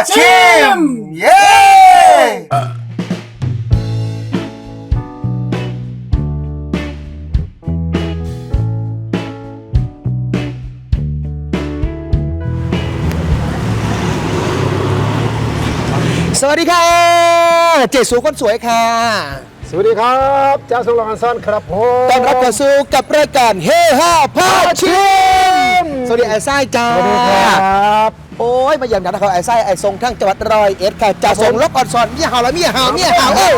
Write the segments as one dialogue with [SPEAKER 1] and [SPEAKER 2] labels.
[SPEAKER 1] ชิมเย้สวัสดีค่ะเจสูคนสวยค่ะ
[SPEAKER 2] สวัสดีครับเจ้าสุรอันซันครับผม
[SPEAKER 1] ต้อนรับเข้าสู่กับรายการเฮฮาพาชิมสวัสดีไอ้ไส้จ้า
[SPEAKER 2] สวัสดีครับ
[SPEAKER 1] โอ้ยมาเยี่ยมกันนะครับไอ้ไส้ไอ้ทรงทั้งจังหวัดร้อยเอ็ดค่ะจะส่งลบออนซอนเมียเห่าแล้วเมียเห่าเอ้า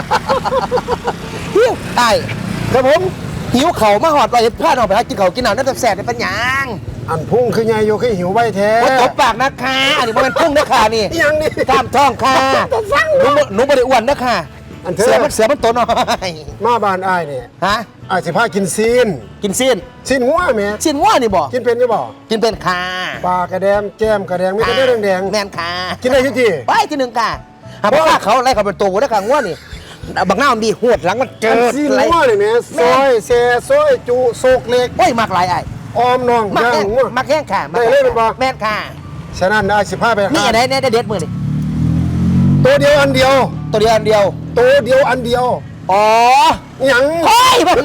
[SPEAKER 1] หิวไอ้
[SPEAKER 2] ครับผม
[SPEAKER 1] หิวเข่ามาหอดร้อยเอ็ดพลาดออกไปหากินเข่ากินหนาวนั่นแสบในปัญญา
[SPEAKER 2] อันพุ่งคือไงโยคือหิวใบแท้
[SPEAKER 1] ว่าตบปากนะคะอันนี้มันพุ่งนะคะนี่
[SPEAKER 2] ยังนี่
[SPEAKER 1] กล้ามท้องค่ะหนูไม่ได้อ้วนนะคะ
[SPEAKER 2] อันเธอ
[SPEAKER 1] เสือมันโตหน่อย
[SPEAKER 2] มาบ้านอ้ายเนี่ย
[SPEAKER 1] ฮะ
[SPEAKER 2] อ้ายสิพากินซีน
[SPEAKER 1] กินซีน
[SPEAKER 2] ซีนงัวแม่
[SPEAKER 1] ซีนว่านี่บอก
[SPEAKER 2] กินเป็นจะบอก
[SPEAKER 1] กินเป็นค่ะ
[SPEAKER 2] ปลากระแดมแก้มกระแดงไม่ได้แดง
[SPEAKER 1] แม่นค่ะ
[SPEAKER 2] ๆกินได้ที่
[SPEAKER 1] ไปที่หนึ่งค่ะหาพ่อเขาไล่เขาเป็นตัวได้ค่ะง่วนี่บางหน้ามันดีหวดหลังมันเจ
[SPEAKER 2] อัน
[SPEAKER 1] อ
[SPEAKER 2] ซีน
[SPEAKER 1] ไร
[SPEAKER 2] งัวเลยแม่ซอยแซ่ซอยจุโศกเล็ก
[SPEAKER 1] โอ้ยมากหลายไอ้
[SPEAKER 2] ออมน้อง
[SPEAKER 1] มาก
[SPEAKER 2] ย่าง
[SPEAKER 1] แห้ง
[SPEAKER 2] งัว
[SPEAKER 1] มากแห้งค่ะ
[SPEAKER 2] ได้เลยเป็นบ่
[SPEAKER 1] แม่นค่ะ
[SPEAKER 2] ฉะนั้นอ้ายสิพาไป
[SPEAKER 1] นี่
[SPEAKER 2] หา
[SPEAKER 1] อะไรเนี่ยเด็ดมือนี่
[SPEAKER 2] ตัวเดียวอันเดียว
[SPEAKER 1] ตัวเดียวอันเดียว
[SPEAKER 2] ตัวเดียวอันเดียว
[SPEAKER 1] อ๋อ
[SPEAKER 2] หยัง
[SPEAKER 1] โอ้ยมัน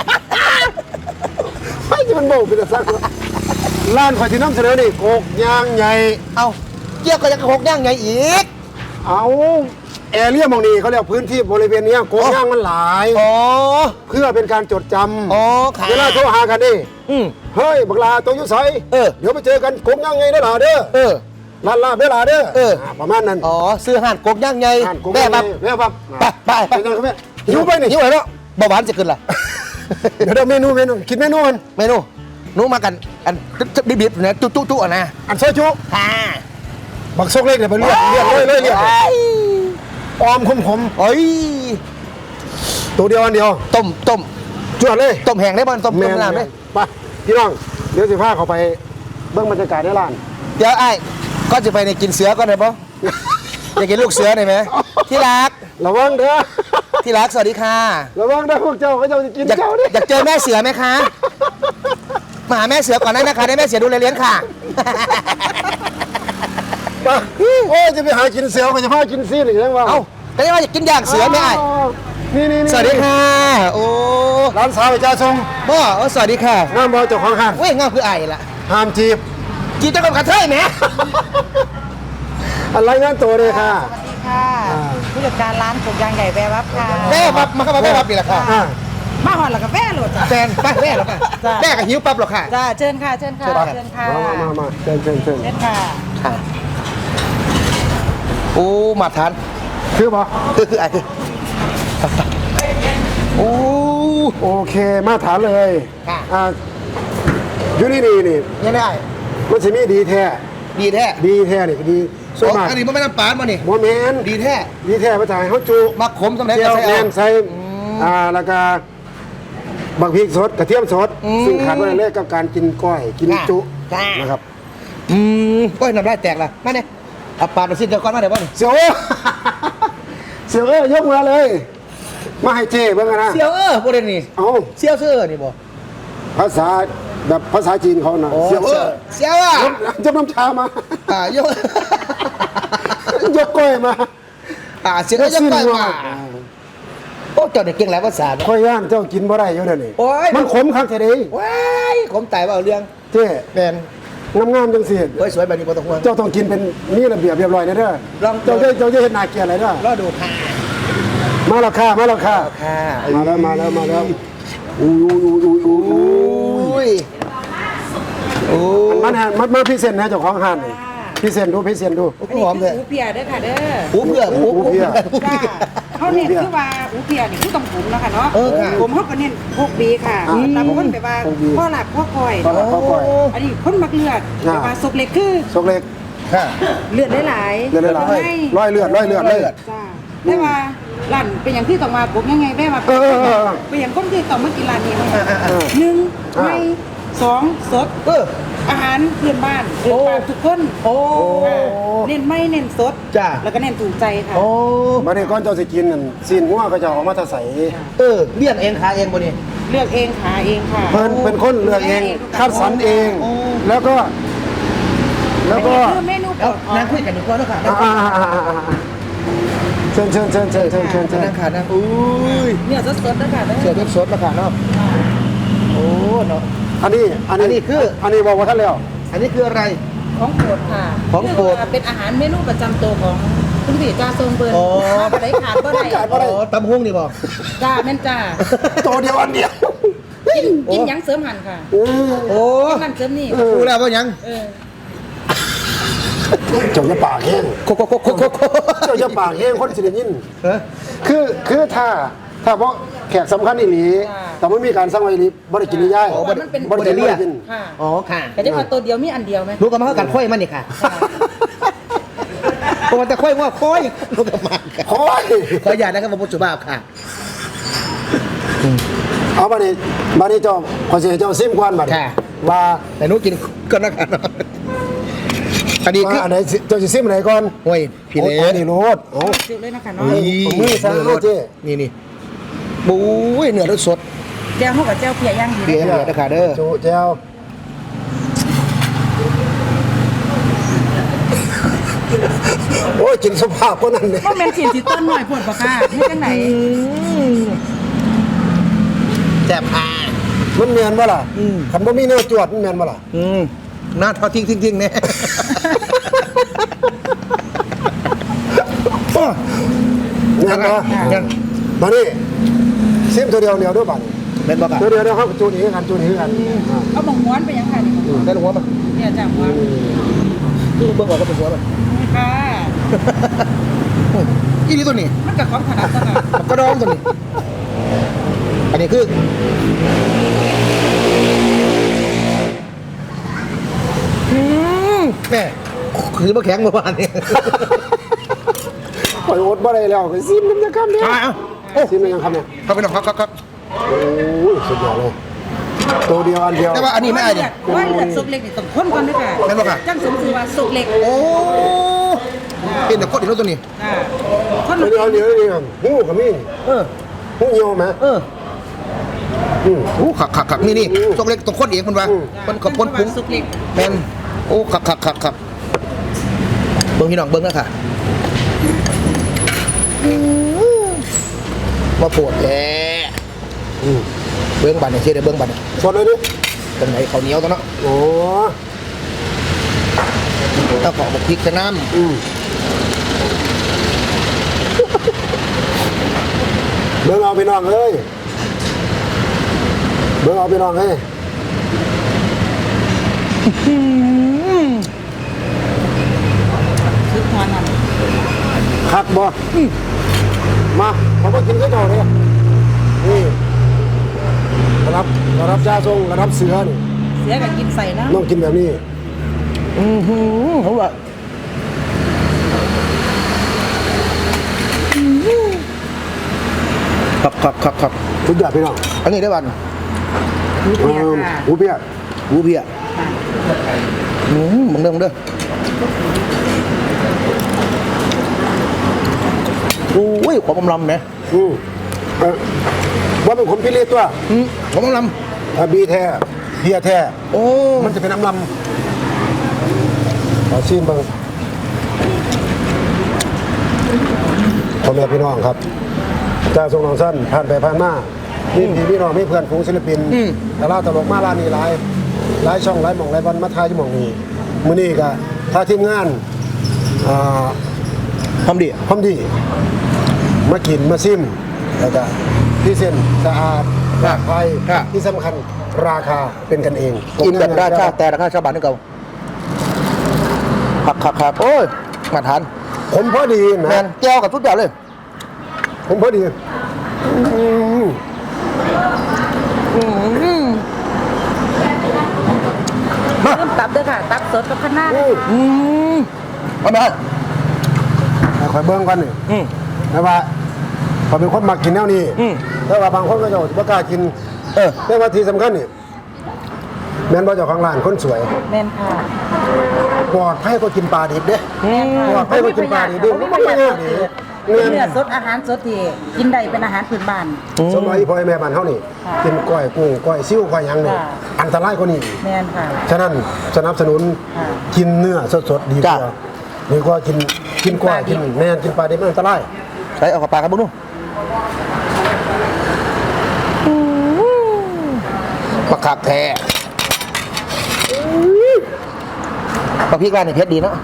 [SPEAKER 2] ไม่จะมันโบกเป็นสักร้านข่อยที่น้ำเสนอนี่โกกย่างใหญ่
[SPEAKER 1] เอาเกี่ยวกับยังหกย่างไงอีก
[SPEAKER 2] เอาแอเรียมองนี่เขาเรียกพื้นที่บริเวณเนี้ยโกงย่างมันหลาย
[SPEAKER 1] อ๋อ
[SPEAKER 2] เพื่อเป็นการจดจ
[SPEAKER 1] อ๋อ
[SPEAKER 2] ำ
[SPEAKER 1] ค่ะ
[SPEAKER 2] เวลาโทรหากันนี่
[SPEAKER 1] อืม
[SPEAKER 2] เฮ้ยบักลาตัวอยุ่ใส เดี๋ยวไปเจอกันโกงย่างไงได้หล่ะเด้อ
[SPEAKER 1] เออ
[SPEAKER 2] ลาดลาเวลาเด้อ
[SPEAKER 1] เออ
[SPEAKER 2] ประมาณนั้น
[SPEAKER 1] อ๋อซื้อห่านกบย่างไง
[SPEAKER 2] อ่านโกง
[SPEAKER 1] แม่
[SPEAKER 2] ย่าง
[SPEAKER 1] บั
[SPEAKER 2] ไง
[SPEAKER 1] บ
[SPEAKER 2] แม่บับ
[SPEAKER 1] ไปไป
[SPEAKER 2] ไปกันครับแม่หิวไปนี่
[SPEAKER 1] หิวไปแล้วเบาหวานจะขึ้นล่ะ
[SPEAKER 2] เดี๋ยวเมนูคิดเมนูมัน
[SPEAKER 1] เมนูหนูมากันอันดิบๆนะจุ๊อ่ะนะ
[SPEAKER 2] อันซอยจุ
[SPEAKER 1] ค่ะ
[SPEAKER 2] บักซกเล็กเดี๋ยวไปเรียกเลยเรียกออมขม
[SPEAKER 1] โอ้ย
[SPEAKER 2] ๆตัวเดียวอันเดียว
[SPEAKER 1] ต้ม
[SPEAKER 2] จวดเลย
[SPEAKER 1] ต้มแห้งได้บ้างต้มน้ำได้
[SPEAKER 2] ไปพี่น้องเดี๋ยวสิพาเขาไปเบื้องบรรยากาศในร้าน
[SPEAKER 1] เดี๋ยวไอ้ก็จะไปในกินเสือก่อนเลยปะอยากกินลูกเสือหน่อยไหมที่รัก
[SPEAKER 2] ระวังเด้อ
[SPEAKER 1] ที่รักสวัสดีค่ะ
[SPEAKER 2] ระวังเด้อพวกเจ้าเขาจะกิน
[SPEAKER 1] อยาก
[SPEAKER 2] เจ้าเนี่ย
[SPEAKER 1] อยากเจอแม่เสือไหมคะมาหาแม่เสือก่อนได้นะคะได้แม่เสือดูแลเลี้ยงค่ะ
[SPEAKER 2] มาโอ้ยจะไปหากินเสือก็จะพากินซีนอีกแล้วว่า
[SPEAKER 1] เอ้าก็ได้ว่าอยากกินย่างเสือไหมไอ้
[SPEAKER 2] นี่
[SPEAKER 1] สวัสดีค่ะโอ้
[SPEAKER 2] ร้านสาวจ้าทรง
[SPEAKER 1] บ่สวัสดีค่ะ
[SPEAKER 2] น้ำบอเจ้าของห้าง
[SPEAKER 1] เว้ยงามคือไอ้ละ
[SPEAKER 2] ห้ามจีบ
[SPEAKER 1] จีเจ้ากับกระเทยไหม
[SPEAKER 2] อะไรงานตัวเลยค่ะ
[SPEAKER 3] สวัสดีค่ะ ผู้จัดการร้านกบยางใหญ่แววับค่ะ
[SPEAKER 1] แม่มาเข้ามาแม่รับนี่แหละค่ะ
[SPEAKER 2] อ่า
[SPEAKER 3] มาหอดแล้วกับแม่โหลดจ้ะ
[SPEAKER 1] แฟนไปแม่หรอค่ะ
[SPEAKER 3] จ้ะ
[SPEAKER 1] แม่กับหิวปั๊บหรอค่ะ
[SPEAKER 3] จ้าเชิญค่ะเชิญค่ะ
[SPEAKER 1] เชิญค่ะ
[SPEAKER 3] เชิญค่ะ
[SPEAKER 2] มาเชิญ
[SPEAKER 3] เชิญค่ะ
[SPEAKER 1] ค่ะโอ้มาทาน
[SPEAKER 2] คือปะ
[SPEAKER 1] คือไอ้คือโอ้
[SPEAKER 2] โอเคมาถามเลย
[SPEAKER 1] ค่ะ
[SPEAKER 2] อยู่นี่นี่
[SPEAKER 1] ยังไงไอ้
[SPEAKER 2] มันจะมีดีแท้
[SPEAKER 1] ดีแท้
[SPEAKER 2] ดีแท้นี่ดีส่วนมาก
[SPEAKER 1] อันนี้มันไม่น้ำปานมานี่
[SPEAKER 2] โมเมน
[SPEAKER 1] ดีแท้
[SPEAKER 2] ดีแท้ภาษาเขาจู
[SPEAKER 1] มาขมสำเร็จ
[SPEAKER 2] เจีย
[SPEAKER 1] ก็
[SPEAKER 2] ว
[SPEAKER 1] ใส่
[SPEAKER 2] แหน
[SPEAKER 1] เอา
[SPEAKER 2] มใส่แล้วก็บักพริกสดกระเทียมสด
[SPEAKER 1] อืม
[SPEAKER 2] ซึ่งขาดไม่ได้เลยกับการกินก้อยกิน
[SPEAKER 1] ค่ะ
[SPEAKER 2] จุ
[SPEAKER 1] ค่ะ
[SPEAKER 2] นะครับ
[SPEAKER 1] ก็น้ำลายแตกละมาเนี่ยเอาปาดมาสิ้นเดียวก่อนมาเดี๋ยวบ่นี่
[SPEAKER 2] เสียวเอ้ย เสียวเอ้ยยกมาเลย มาให้เจ้เบิ่งกันนะ
[SPEAKER 1] เซียวโบเรนนี่
[SPEAKER 2] เอา
[SPEAKER 1] เซียวเสื้อนี่บ่
[SPEAKER 2] ภาษาแบบภาษาจีนเขานะเสียวเอ้ย
[SPEAKER 1] เซียวอ่ะ
[SPEAKER 2] ยกน้ำชามา
[SPEAKER 1] ยก
[SPEAKER 2] ยกก้อยมา
[SPEAKER 1] เสียงก็ยังไปมาโอ้เจ้าเด็กเก่งหลายภาษาเนอะ
[SPEAKER 2] ค่อยย่างเจ้ากินบ่ได้อยู่เดี๋ยวนี้
[SPEAKER 1] โอ้ย
[SPEAKER 2] มันขมคักแท้เดิ
[SPEAKER 1] ว้ายผมตายว่าเอาเรื่อง
[SPEAKER 2] เจ้
[SPEAKER 1] แมน
[SPEAKER 2] งามๆจังสิ
[SPEAKER 1] เฮ้ยสวยแบบนี้บ่ต้องห่วง
[SPEAKER 2] เจ้าต้องกินเป็นนี่ระเบียบเรียบร้อยนะเด้อ
[SPEAKER 1] ลอง
[SPEAKER 2] เจ้าจะเห็นนาเกลียดอะไรเด้อ
[SPEAKER 1] รอดูค่ะ
[SPEAKER 2] มาแล้วค่ะมาแล้วค่ะ
[SPEAKER 1] ค่ะ
[SPEAKER 2] มาแล้วอู้ย
[SPEAKER 1] โอ้ย
[SPEAKER 2] มันพิเศษนะเจ้าของห้านนี่พิเศษดู
[SPEAKER 3] อันนี้
[SPEAKER 1] หอมเลย
[SPEAKER 3] คืออูเปียเด้อค่ะเด้อ
[SPEAKER 1] หูเพื่อหูเพื่อ
[SPEAKER 3] จ้าเขาเน้นคือว่าอูเปียนี่คือต้องผมแล้วค่ะเนาะ
[SPEAKER 1] เออค่ะ
[SPEAKER 3] ผมเขาก็เน้นพวกบีค่ะตามคนแบบว่าข้อหลักข้อคอย
[SPEAKER 2] ตอนนั้นเขาก่อย
[SPEAKER 3] อันนี้คนมักเลือดแบบว่าสุกเล็กคือ
[SPEAKER 2] ซกเล็ก
[SPEAKER 1] ค่ะ
[SPEAKER 3] เลือดหลายๆ
[SPEAKER 2] เลือดหลาย
[SPEAKER 3] ให้
[SPEAKER 2] ร้อยเลือดเลย
[SPEAKER 3] จ้าแต่ว่าร้านเป็นอย่างที่ต้องมาผมยังไงแม่มา
[SPEAKER 2] เออ
[SPEAKER 3] เป็นอย่างคนที่ต้องมากินร้านนี้มั้งหนึ่งไม่สองสด อาหารเพื่อนบ้านเพื่อนบ้านทุกคน
[SPEAKER 1] โอ้
[SPEAKER 3] ค่ะเน้นไม่เน้นสด
[SPEAKER 1] จ้ะ
[SPEAKER 3] แล้วก็เน้นถูกใจค่ะ
[SPEAKER 1] โอ้
[SPEAKER 2] มาเนี่ยก้อนเจ้าสิกินนั่นซีนงัวก็จะออกมาทะใส
[SPEAKER 1] เลี้ยงเองขาเองบ่นี่
[SPEAKER 3] เลือกเองหาเองค่ะ
[SPEAKER 2] เพิ่นเป็นคนเลือกเองคัดสรรเอง
[SPEAKER 1] โอ้
[SPEAKER 2] แล้วก็
[SPEAKER 3] คือเมนู
[SPEAKER 1] เอานั่งคุยกันดีกว่าเนาะค่ะ
[SPEAKER 2] เชิญ
[SPEAKER 1] นั่งขานั่งอุ้ย
[SPEAKER 3] เนี่ยสดๆนะคะ
[SPEAKER 1] เสือเว็บสดเนาะค่ะเนาะโอ้เนาะ
[SPEAKER 2] อันนี้คืออันนี้บอกว่าท่านแล้ว
[SPEAKER 1] อันนี้คืออะไร
[SPEAKER 3] ของโปรดค่ะ
[SPEAKER 1] ของโปรด
[SPEAKER 3] เยกว่าเป็นอาหารเมนูประจำตัวของคุณพี่จ้าทรงเบิร์น
[SPEAKER 1] อ๋อ
[SPEAKER 3] มาบ่ได้ขาดบ่ได้
[SPEAKER 1] อ๋อตำหุ้งนี่บอก
[SPEAKER 3] จ้าแม่นจ้า
[SPEAKER 2] ตัวเดียวอันเดียว
[SPEAKER 3] กินหยังเสริมหันค่ะ
[SPEAKER 1] โอ้
[SPEAKER 3] กินนั่นเสริมนี่
[SPEAKER 1] รู้แล้วว่ายัง
[SPEAKER 3] เออ
[SPEAKER 2] เจ้าจะปากแห้ง
[SPEAKER 1] โคโคโคโคโคโค
[SPEAKER 2] เจ้าจะปากแห้งคนสิได้ยิน
[SPEAKER 1] เออ
[SPEAKER 2] คือถ้าเพราะแขกสำคัญอีหลีแต่ไม่มีการสร้างไว้อีหลีบ่ได้กินนี่ย่าย
[SPEAKER 3] เพราะว่ามันเป็น
[SPEAKER 2] บ่ได้กิน
[SPEAKER 3] ค่ะ
[SPEAKER 1] อ๋อค่ะ
[SPEAKER 3] แต่จะว่าตัวเดียวมีอันเดียวไหม
[SPEAKER 1] รู้กันมาเข้ากันค่อยมันนี่ค่ะเพราะมันจะค่อยว่าค่อยรู้กันมาค่ะ
[SPEAKER 2] โอ้ย
[SPEAKER 1] ขออย่านะครับผมสุภาพค่ะ
[SPEAKER 2] เอาบัดนี้เจ้าขอสิให้เจ้าซิมก่อนบัดนี้
[SPEAKER 1] ค่ะ
[SPEAKER 2] ว่า
[SPEAKER 1] แต่หนู้กินก็นักกันอันนี้คือ
[SPEAKER 2] ว่าอันไหนเจ้าสิซิมอันไหนก่อน
[SPEAKER 1] โอ้ยพี่เล็
[SPEAKER 2] โอ้ยนี่โลดโอ้
[SPEAKER 3] เดี๋ยวเลยนะคะเนาะ
[SPEAKER 2] ผมมือซะ
[SPEAKER 1] รส
[SPEAKER 2] เจ๊
[SPEAKER 1] นี่บุ้ยเนื้อรสสด
[SPEAKER 3] แจ้วเข้ากับแจ้วเพียย่างดี
[SPEAKER 1] เบียร์เบียร์นะคะเด้อ
[SPEAKER 2] โจแจ้วโอ้ยกินสุภาพคนนั้นเนี่ย
[SPEAKER 3] ก็เป็นสิ่งที่ต้นหน่อยผลปะค่ะนี่จังไหน
[SPEAKER 1] แซ่บอ่ะ
[SPEAKER 2] มันเมียนบ่ล่ะ
[SPEAKER 1] อืม
[SPEAKER 2] คันบ่มีเนื้อจวดมันเมียนบ่ล่ะ
[SPEAKER 1] หน้าทอดทิ้งเนี่ย
[SPEAKER 2] ยังนะ
[SPEAKER 1] ยัง
[SPEAKER 2] มานี่ซิมตัวเดียวด้วยบัด
[SPEAKER 1] เป็นบอกอ่ะ
[SPEAKER 2] ตัวเดียวเขาจูนี่กันอ่า
[SPEAKER 3] เอาหมองม้วนไปยังค่ะนี่
[SPEAKER 1] ได้หัวมัน
[SPEAKER 3] เนี่ยจ้าม้วน
[SPEAKER 1] ดูเบิ่งออกก็เป็นหัวมัน
[SPEAKER 3] ค่ะ
[SPEAKER 1] อีนี่ตัวนี้
[SPEAKER 3] มันกับของถนัดจ้ะค่ะ
[SPEAKER 1] มันก็ร้องตัวนี้ อันนี้คือแม่คือมาแข็งเมื่อวานนี้
[SPEAKER 2] ปล่อยอดบ่ได้แล้วก็ซิมน้ำจะคำเนี่ย
[SPEAKER 1] โอ้
[SPEAKER 2] ซิมน้ำจะคำเนี่ย
[SPEAKER 1] เข้าไปหน่อยครับ
[SPEAKER 2] โอ้ยสุดยอดเลยตัวเดียวอันเดียว
[SPEAKER 1] แต่ว่าอันนี้ไม่อายเนี่ย
[SPEAKER 3] ว่าเลือดสุกเล็กนี่ต้องข้นก่อนด้วยค่ะ
[SPEAKER 1] แม่นบ่ค่ะ
[SPEAKER 3] จังสมชื่อว่าสุกเล็ก
[SPEAKER 1] โอ้เป็นแต่โคตรอีกแล้วตัวนี้
[SPEAKER 3] ค่ะข้น
[SPEAKER 2] ตัวเดียวเดียวนี่ครับหูกับมี
[SPEAKER 1] เออ
[SPEAKER 2] หูเหี่ยวไหม
[SPEAKER 1] โอ้ขักนี่ตกเล็กตกโคตรเองมันวะมันกับพ้นปุ้ง
[SPEAKER 3] สุกเล็ก
[SPEAKER 1] แมนโอ้ขักเบิ้งพี่น้องเบิ้งนะค่ะมาปวดแล้เบิ้งบัตรเนี่ยเชื่อได้เบิ้งบัตรเนี่ย
[SPEAKER 2] สดเลยดิ
[SPEAKER 1] ตรงไหนเขาวเหนียวตรงนั้น
[SPEAKER 2] โอ้
[SPEAKER 1] ถ้าขอบอกพริกกับน้
[SPEAKER 2] เบิ่งเอาไปน้องเอ้ยเบิ่งเอาไปน้องเอ้ย
[SPEAKER 3] คือทานนั่น
[SPEAKER 2] คักบ่มาเขามากินข้าวเจ้าเลยนี่ระดับจ้าทรงระดับเสือนี่
[SPEAKER 3] เสียกับกินใส่นะ
[SPEAKER 2] ต้องกินแบบนี้
[SPEAKER 1] ำเขาว่าขัก
[SPEAKER 2] ทุกอย่างพี่น้อง
[SPEAKER 1] อันนี้ได้บัตร
[SPEAKER 3] มีเพียค่ะ
[SPEAKER 2] หูเปียก
[SPEAKER 1] วูเพียมึงเด้อโอ้ยความอมลำเนี่ย
[SPEAKER 2] ว่าเป็นคนพิเรนตัว
[SPEAKER 1] ความอมล
[SPEAKER 2] บีแท้เพียแท้
[SPEAKER 1] ำโอ้
[SPEAKER 2] มันจะเป็นน้ำลำขอชิมบ้างพ่อแม่พี่น้องครับจ้าทรงหนองสั้นผ่านไปผ่านมาพี่น้องไม่เพื่อนฝูงศิลปินดาราตลกมาลานี่หลายช่องหลายหม่องหลายวันมาทายที่หม่องนี้มื้อนี้ก็ถ้าทีมงาน
[SPEAKER 1] ทำดี
[SPEAKER 2] พร้อมดีมากินมาซิมแล้วก็ที่เส้นสะอาดปลอดภัยที่สำคัญราคาเป็นกันเอง
[SPEAKER 1] กินแบบราคาแต่ราคาชาวบ้านนี่เก่าขักโอ้ยมาทาน
[SPEAKER 2] ผมพอดี
[SPEAKER 1] แม
[SPEAKER 2] นะ
[SPEAKER 1] นแก้วกับทุกอย่างเลย
[SPEAKER 2] ผมพอดี
[SPEAKER 1] มา
[SPEAKER 3] เริ่มตับด้วยค่ะ ตับสดกับข้าวหน้า
[SPEAKER 1] มาได้
[SPEAKER 2] คอยเบิ้งกันนี่แต่ว่าเขาเป็นคนมักกินแนวนี้แต่ว่าบางคนก็จะไม่กล้ากินแต่ว่าที่สำคัญนี่แม่นว่าเจ้าของร้านคนสวย
[SPEAKER 3] แม่นค่ะ
[SPEAKER 2] ปลอดภัยก็กินปลาดิบเด้ปลอดภัยก็กินปลาดิบเด้มันไม่ยากดิ
[SPEAKER 3] เนื้อสดอาหารสดที่กินได้เป็นอาหารพื้นบ้าน
[SPEAKER 2] สมัยพ่อแม่บ้านเฮานี่กินก้อยกุ้งก้อยซิ่วก้อยหยังนี่
[SPEAKER 3] ค่ะ
[SPEAKER 2] อันตรายกว่านี้
[SPEAKER 3] แม่นค่ะ
[SPEAKER 2] ฉะนั้นสนับสนุน
[SPEAKER 3] ค่ะ
[SPEAKER 2] กินเนื้อสดๆดีกว่าดีกว่ากินกล้วยกินแม่นกินปลาดิบมันอันตราย
[SPEAKER 1] ใส่เอาเข้าปากครับบุ้งนู่ปักขักแท้ปักพริกร้านนี่เผ็ดดีเนาะ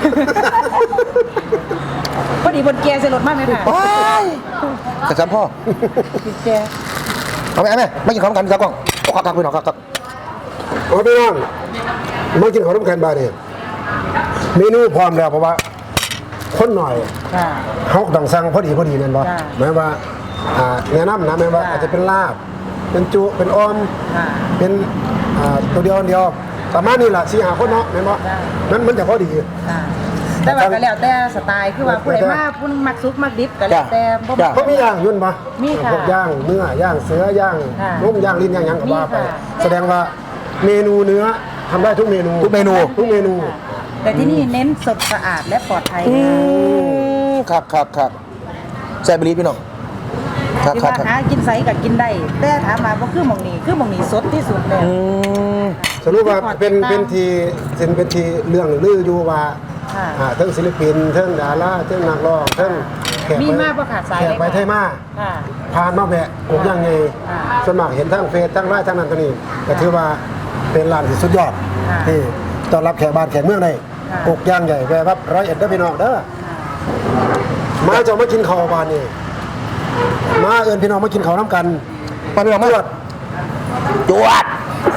[SPEAKER 3] พอดีบนแกใส่รถมากเลยค่ะ
[SPEAKER 1] ว้ายแต่ซ้ำพ่อ
[SPEAKER 3] แก
[SPEAKER 1] เอาไหมไม่กินของกันครับกล้องเอาขักไปหน่อยครับ
[SPEAKER 2] โอ้พี่น้องมากินของน้ำแข็งบาดเนี่ยเมนูพร้อมแล้วเพราะว่าคนหน่อย
[SPEAKER 3] ค่ะ
[SPEAKER 2] เขาต้องสั่งพอดีนั่นบ่
[SPEAKER 3] จ้ะ
[SPEAKER 2] หมายว่าแนะนำนะหมายว่าอาจจะเป็นลาบเป็นจุเป็นอ้อม
[SPEAKER 3] ค่ะ
[SPEAKER 2] เป็นตัวเดียวประมาณนี้แหละสี่หาคนเนาะแม่นบ่
[SPEAKER 3] จ้ะ
[SPEAKER 2] มันจะพอดี
[SPEAKER 3] ค่ะแต่ว่าก็แล้วแต่สไตล์คือว่าผู้ใดมาผู้นึงมักซุปมักดิบก็แล้วแต่บ่มัก
[SPEAKER 2] เพราะมีย่างยุ่นปะ
[SPEAKER 3] มีค่ะ
[SPEAKER 2] พวกย่างเนื้อย่างเสือย่าง
[SPEAKER 3] ค่ะ
[SPEAKER 2] นุ่มย่างลิ้นย่างหยังก็ว่าไป
[SPEAKER 3] มีค่ะ
[SPEAKER 2] แสดงว่าเมนูเนื้อทำได้ทุกเมนู
[SPEAKER 1] ทุกเมนู
[SPEAKER 2] ทุกเมนู
[SPEAKER 3] ค่ะแต่ที่นี่เน้นสดสะอาดและปลอดภัย
[SPEAKER 1] ครับใส่บรีพี่น้องครับ
[SPEAKER 3] ที่
[SPEAKER 1] ครับ
[SPEAKER 3] ว่า
[SPEAKER 1] ครับ
[SPEAKER 3] หากินไสก็กินได้แต่ถามมาบ่คือหม่องนี้สดที่สุดแล้ว
[SPEAKER 2] สรุปว่าเป็นทีเรื่องลืออยู่ว่า
[SPEAKER 3] ค่ะ
[SPEAKER 2] ทั้งศิลปินทั้งดาราทั้งนักร้องทั้งแขก
[SPEAKER 3] มี
[SPEAKER 2] ไป
[SPEAKER 3] มากบ่ขาดสาย
[SPEAKER 2] แข
[SPEAKER 3] เล
[SPEAKER 2] ก
[SPEAKER 3] ย
[SPEAKER 2] ไปไทยมา
[SPEAKER 3] ค่ะ
[SPEAKER 2] ผ่านมาแวะกบย่างไง
[SPEAKER 3] ค่ะ
[SPEAKER 2] สวนมัครเห็นทั้งเฟซทั้งไลน์ทั้งนั้นทั้งนี้ก็ถือว่าเป็นร้านที่สุดยอด
[SPEAKER 3] ค่ะ
[SPEAKER 2] ที่ต้อนรับแขกบ้านแขกเมืองได้
[SPEAKER 3] ค่ะ
[SPEAKER 2] กบย่างใหญ่แวะครับ100เด้อพี่น้องเด้อ
[SPEAKER 3] ค่ะ
[SPEAKER 2] มาจะมากินข้าวบ้านนี่มาเอิญพี่น้องมากินข้าวน้ำกัน
[SPEAKER 1] ปาพี่น้องมา
[SPEAKER 2] จวด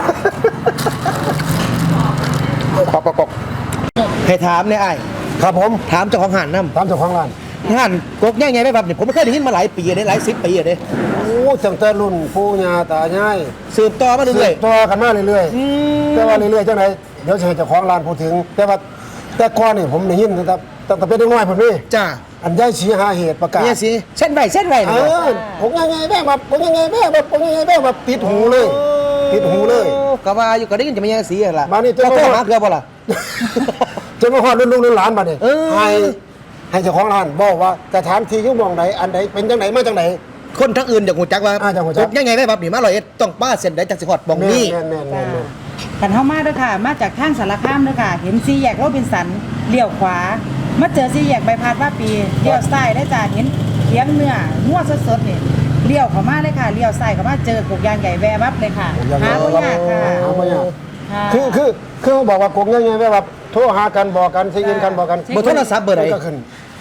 [SPEAKER 1] ปอกให้ถามเนี่ยไอ้
[SPEAKER 2] ครับผม
[SPEAKER 1] ถามเจ้าของหันน้ำ
[SPEAKER 2] ตามเจ้าของร้าน
[SPEAKER 1] หันกกง่ายๆไหมครับเนี่ยผมไม่เคยได้ยินมาหลายปีเลยหลาย10 ปีเลย
[SPEAKER 2] โอ้ตั้งแต่รุ่นปู่ย่าตายาย
[SPEAKER 1] สืบต่อมาเรื่อย
[SPEAKER 2] ต่อกันมาเรื่อย
[SPEAKER 1] อืม
[SPEAKER 2] ๆแต่ว่าเรื่อยๆจังไหนเดี๋ยวจะให้เจ้าของร้านพูดถึง แต่ว่าแต่ก่อนนี่ผมได้ยินตั้งแต่เป็นเด็กน้อยผมนี่
[SPEAKER 1] จ้า
[SPEAKER 2] อันย่ายชี้หาเหตุประกาศ
[SPEAKER 1] เนี่ยสิเส้นไหว
[SPEAKER 2] เออผมยังไงแม่แบบผมยังไงแม่แบบติดหูเลยติดหูเลย
[SPEAKER 1] ก็ว่าอยู่ก็ได้ยินจะไม่ยังสีล่ะ
[SPEAKER 2] มานี่เจ้า
[SPEAKER 1] เจ้าหาเกลือบ่ล่ะ
[SPEAKER 2] จนมาฮอดรุ่นลูกรุ่นหลานบัดนี้
[SPEAKER 1] เออ
[SPEAKER 2] ให้เจ้าของร้านบอกว่าสถานที่อยู่หมองไหนอันไหนเป็นจังไหนมาจังไหน
[SPEAKER 1] คนทั้งอื่นอยากหูจักว่า
[SPEAKER 2] อยากหูจัก
[SPEAKER 1] ยังไงไหมครับนี่มา100ต้องป้าเส้นได้จากสิฮอดบองนี่
[SPEAKER 2] แม่น
[SPEAKER 3] กันเฮามาเด้อค่ะ มาจากทางสารคามเด้อค่ะ เห็นสี่แยกโรบินสันเลี้ยวขวา มาเจอสี่แยกใบพัดว่าปีเลี้ยวซ้ายได้จ้าเห็นเขียงเนื้องัวสดๆนี่เลี้ยวเข้ามาเลยค่ะเลี้ยวซ้ายเข้ามาเจอกกยางใหญ่แววับเลยค่ะหาบ่ยากค่ะ
[SPEAKER 2] หาบ่ยาก
[SPEAKER 3] ค่ะ
[SPEAKER 2] คือบอกว่ากงยังไงแบบโทรหากันบอกกันสิยินกันบอกกัน
[SPEAKER 1] เบอร์โทรศัพท์เบอร์ไหน
[SPEAKER 2] ก็ขึ้น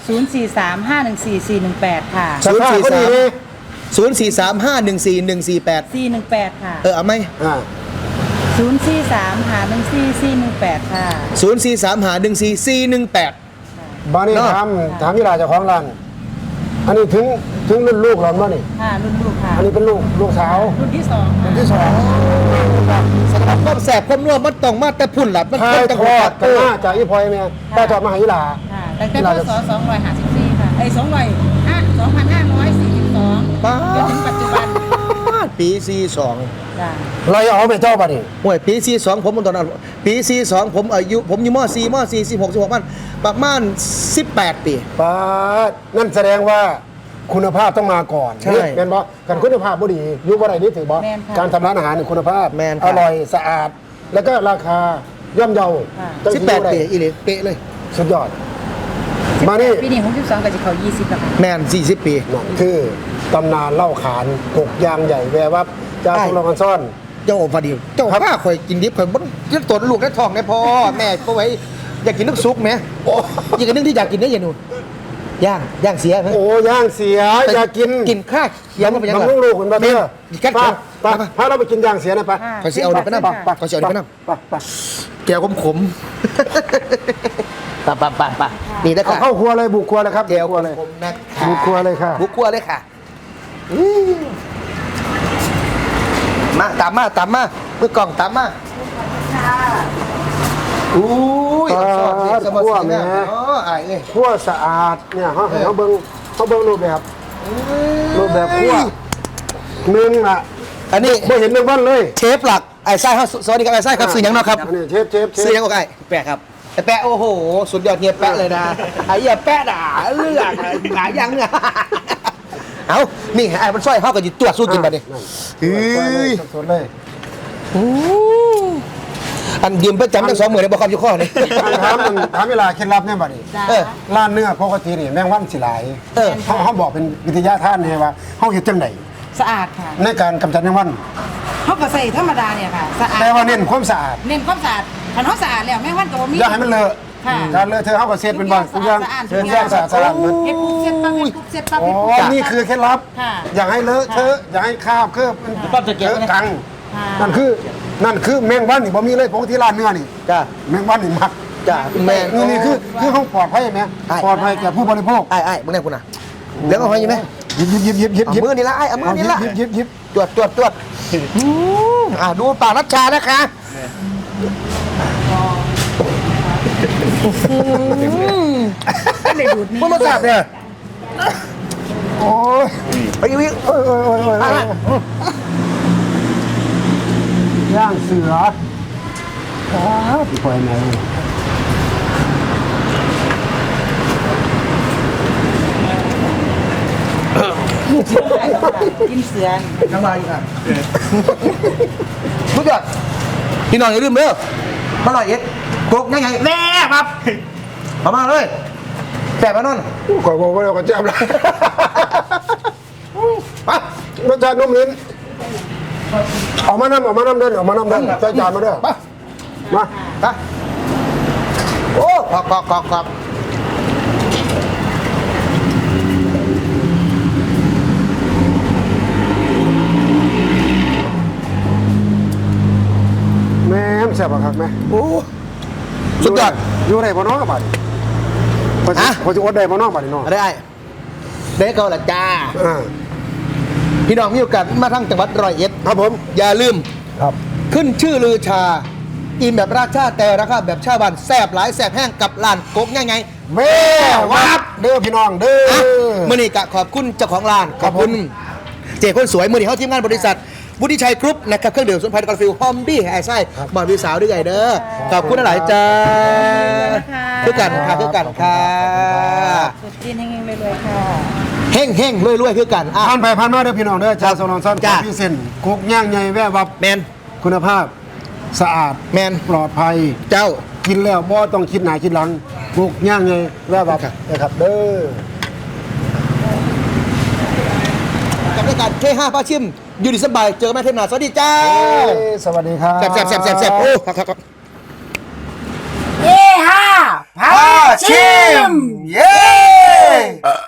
[SPEAKER 3] 043514418 ค่ะ
[SPEAKER 2] สภาพก็ดีเลย
[SPEAKER 1] 043514148
[SPEAKER 3] 418 ค่ะ
[SPEAKER 1] เอาไหม
[SPEAKER 3] 043514418 ค่ะ
[SPEAKER 1] 043514418
[SPEAKER 2] บ้านนี้
[SPEAKER 1] เนาะ
[SPEAKER 2] ถามที่ลาเจ้าของร้านอันนี้ถึงรุ่นลูกเราบ้านี่
[SPEAKER 3] ค่ะ รุ่นลูกค่ะ
[SPEAKER 2] อันนี้เป็นลูกสาว
[SPEAKER 3] รุ่นที่สอง
[SPEAKER 2] รุ่นที่สอง
[SPEAKER 1] สำหรับความแสบความนัวมันต้องมาแต่พุ่นล่ะมัน
[SPEAKER 2] ถ่า
[SPEAKER 1] เพิ่
[SPEAKER 2] ย
[SPEAKER 1] นจัง
[SPEAKER 2] ท
[SPEAKER 1] ห
[SPEAKER 2] อ
[SPEAKER 1] วั
[SPEAKER 2] ด
[SPEAKER 1] ด
[SPEAKER 2] กันมาจากอีพอยแม่ถ่ายทอดมาให้อีหลา
[SPEAKER 3] ค่ะตั้งแต่พศ254ค่ะ2542
[SPEAKER 1] ป้า
[SPEAKER 3] จนถึงปัจจุบัน
[SPEAKER 1] ปี42
[SPEAKER 3] จ้ะ
[SPEAKER 2] เราเอาไปเจ้าบ้านี่
[SPEAKER 1] โอ้ยปี42ผมตอนนั้นปี42ผมอายุผมอยู่ม.4 16มันประมาณ18 ปี
[SPEAKER 2] ป้าดนั่นแสดงว่าคุณภาพต้องมาก่อน
[SPEAKER 1] ใช่
[SPEAKER 2] แม่นบ่กันคุณภาพบ่ดีอยู่บ่ได้นี่ถือบ่
[SPEAKER 3] แม่นค่ะ
[SPEAKER 2] การทำร้านอาหารนี่คุณภาพ
[SPEAKER 1] แม่นค่ะ
[SPEAKER 2] อร่อยสะอาด แล้วก็ราคาย่อมเยา
[SPEAKER 3] ค่ะ
[SPEAKER 2] จังสิอยู่
[SPEAKER 1] 18
[SPEAKER 2] ได้
[SPEAKER 1] ปีอีหลีเป๊ะเลย
[SPEAKER 2] สุดยอด มานี่
[SPEAKER 3] ปีนี้62ก็จะเข้า20แล้วค่ะ
[SPEAKER 1] แม่น40 ปี
[SPEAKER 2] นั่นคือตำนานเล่าขานกกยางใหญ่แววับจาก
[SPEAKER 1] ใช่
[SPEAKER 2] ทุลองกันซ่อน
[SPEAKER 1] เจ้าพอดีเจ้าข้าข่อยกินดิบข่อยบ่ยึดตนลูกได้ท้องได้พอแม่ก็ไว้อยากกินนึกซุปแหมอีกอันนึงที่อยากกินได้อยังหนูย่างเสียไหม
[SPEAKER 2] โอ้ย่างเสียอยากกิน
[SPEAKER 1] กินข้าเขียวมันเป็นยัง
[SPEAKER 2] มัน
[SPEAKER 1] ไง
[SPEAKER 2] ลูกๆมันบ่เด้อ
[SPEAKER 1] กัด
[SPEAKER 2] ป้า
[SPEAKER 1] ป้า
[SPEAKER 2] พาเราไปกินย่างเสียหนะป้า
[SPEAKER 3] ค่ะ
[SPEAKER 1] ขอสิเอาเดี๋ยวไปนั่ง
[SPEAKER 3] ค่ะ
[SPEAKER 1] ขอสิเอาเดี๋ยวไปนั่ง
[SPEAKER 2] ป้า
[SPEAKER 1] แก้วขมป่ะนี่นะ
[SPEAKER 2] เอา
[SPEAKER 1] ค่ะ
[SPEAKER 2] เข้าครัวเลยบุกครัวเลยครับ
[SPEAKER 1] แก้ว
[SPEAKER 2] บุกครัวเลย
[SPEAKER 1] ขมนะ
[SPEAKER 2] บุกครัวเลยค่ะ
[SPEAKER 1] บุกครัวเลยค่ะมาตามมามือกล่องตามมาอุ้ย
[SPEAKER 2] ครัวแม่
[SPEAKER 1] อ๋อไอ้เนี่ย
[SPEAKER 2] ครัวสะอาดเนี่ยเขาเบิ่งรูปแบบครัวหนึ่งอ่ะ
[SPEAKER 1] อันนี้
[SPEAKER 2] ไม่เห็นเรื่องบ้านเลย
[SPEAKER 1] เชฟหลักไอ้ไส้ครับสวัสดีครับไอ้ไส้ครับซื้อยังเนาะครับ
[SPEAKER 2] อันนี้เชฟ
[SPEAKER 1] ซื้อยังโอเคแปะครับไอ้แปะโอ้โหสุดยอดเฮียแปะเลยนะไอ้เฮียแปะด่าเลือกหลายยังเนี่ยเอานี่ไอ้มันสร้อยเข้ากับอยู่ตัวสู้กินมาดิ
[SPEAKER 2] เฮ้ยสดๆเลย
[SPEAKER 1] อันยืมประจำทั้ง2มื้อได้บ่ครับอยู่ข้อนี่
[SPEAKER 2] ถามเวลาเคล็ดลับเนี่ยบัดนี้
[SPEAKER 3] จ้า
[SPEAKER 1] เออ
[SPEAKER 2] ร้านเนื้อปกตินี่แมงวันสิหลาย
[SPEAKER 1] เออ
[SPEAKER 2] เขาบอกเป็นวิทยาทานเนี่ยว่าเขาเฮ็ดจังได
[SPEAKER 3] สะอาดค่ะ
[SPEAKER 2] ในการกำจัดแมงวัน
[SPEAKER 3] เขาก็ใส่ธรรมดาเนี่ยค่ะสะอาด
[SPEAKER 2] แต่ว่าเน้นความสะอาด
[SPEAKER 3] เน้นความสะอาดคันเขาสะอาดแล้วแม่วันก็บ่มี
[SPEAKER 2] อย่าให้มันเลอะ
[SPEAKER 3] ค่ะ
[SPEAKER 2] การเลอะเทอะเขาก็เช็ดเป็นบางทุกอย่าง
[SPEAKER 3] ทุก
[SPEAKER 2] ทุก
[SPEAKER 3] อ
[SPEAKER 2] อย่าง
[SPEAKER 3] ย่าง
[SPEAKER 2] สะอาดเหมือน
[SPEAKER 3] เฮ็ดปุ๊บเสร็จปั๊บเฮ็ดปุ๊บเสร็จปั๊บ
[SPEAKER 2] อ๋
[SPEAKER 3] เฮ็ดปุ๊บ
[SPEAKER 2] อนี่คือเคล็ดลับ
[SPEAKER 3] ค่ะ
[SPEAKER 2] อย่าให้เลอะเทอะอย่าให้คราบเคลือบมัน
[SPEAKER 1] ปั๊บจะเก็บ
[SPEAKER 2] เล
[SPEAKER 1] ไว้
[SPEAKER 2] อะ
[SPEAKER 1] นะ
[SPEAKER 2] กัง
[SPEAKER 3] ค่ะ
[SPEAKER 2] นั่นคือแมงวันนี่บ่มีเลยปกติร้านเนื้อนี่
[SPEAKER 1] จ้า
[SPEAKER 2] แมงวันนี่มัก
[SPEAKER 1] จ้าแม่น
[SPEAKER 2] นี่คือห้องปลอดภัยไหม
[SPEAKER 1] ใช่
[SPEAKER 2] ปลอดภัยแก่ผู้บริโภค
[SPEAKER 1] ไอ้มึงได้คุณน่ะเลี้ยงเอาไว้ไหม
[SPEAKER 2] หยิบ
[SPEAKER 1] เอามือนี่ละไอ้เอามือนี่ละ
[SPEAKER 2] หยิบ
[SPEAKER 1] ตรวจดูปากรัชชานะคะ
[SPEAKER 3] ไม่ได้ดูดนี่
[SPEAKER 1] มึงมาจับเนี่ย
[SPEAKER 2] โอ้ย
[SPEAKER 1] ไปอีก
[SPEAKER 2] โอ้ยย่างเสือพี่ปล่อยไหน
[SPEAKER 3] กินเสือน
[SPEAKER 1] น้ำลายอีกอ่ะมึงจับพี่น้องอย่าลืมเด้อมาหน่อยเอ็ดกกยังไงแน่ครับเอามาเลยแสบมานอน
[SPEAKER 2] ขอบอกว่าเราก็จับแล้วรสชาตินุ่มลิ้นออกมาน้ำเดินใส่จานมาด้วย
[SPEAKER 1] มา
[SPEAKER 2] มา
[SPEAKER 1] ไปโอ้ขอบ
[SPEAKER 2] แม่แซ่บครับแม่
[SPEAKER 1] โอ้สุดยอด
[SPEAKER 2] อยู่ไหนบ่น้องบัดพอจะอดได้บ่น้องบัดน้อง
[SPEAKER 1] อะไรได้เกาละจ้า พี่น้องมีโอกาสมาทั้งจังหวัดร้อยเอ็ด
[SPEAKER 2] ครับผม
[SPEAKER 1] อย่าลืม
[SPEAKER 2] ครับ
[SPEAKER 1] ขึ้นชื่อลือชาอิ่มแบบราชาแต่ราคาแบบชาวบ้านแซ่บหลายแซ่บแห้งกับร้านกกง่ายไง
[SPEAKER 2] แม่วัดเด้อพี่น้องเด้อ
[SPEAKER 1] มื่อนี้กะขอบคุณเจ้าของร้านขอบคุณเจ้คนสวยมื่อนี้เขาทีมงานบริษัทวุฒิชัยกรุ๊ปนะครับเครื่องดื่มสมุนไพรกาแฟฮอมบี้ไอ้ไส้บอลวิวสาวด้วยไงเด้อขอบคุณหลายจ้าคือกันค่ะคือกันค่ะ
[SPEAKER 3] สุดจีนเฮงๆรวยๆค่ะ
[SPEAKER 1] เฮ่งเฮ่งรวยรวยคือกันอ่ะ
[SPEAKER 2] ผ่านไปผ่านมาเด้อพี่น้องเด้อชาวสนองสั้น
[SPEAKER 1] จ้า
[SPEAKER 2] พี่เส้นกุ๊กย่างใหญ่แว่วับ
[SPEAKER 1] แมน
[SPEAKER 2] คุณภาพสะอาด
[SPEAKER 1] แมน
[SPEAKER 2] ปลอดภัย
[SPEAKER 1] เจ้า
[SPEAKER 2] กินแล้วบ่ต้องคิดหน้าคิดหลังกุ๊กย่างใหญ่แว่วับนะครับเด้อ
[SPEAKER 1] กับรายการK5พาชิมอยู่ดีสบายเจอกันแม่เทมนาสวัสดีจ้า
[SPEAKER 2] สวัสดีครับ
[SPEAKER 1] แซ่บโอ้ครับ
[SPEAKER 3] เย้ฮ่า
[SPEAKER 1] พาชิมเย้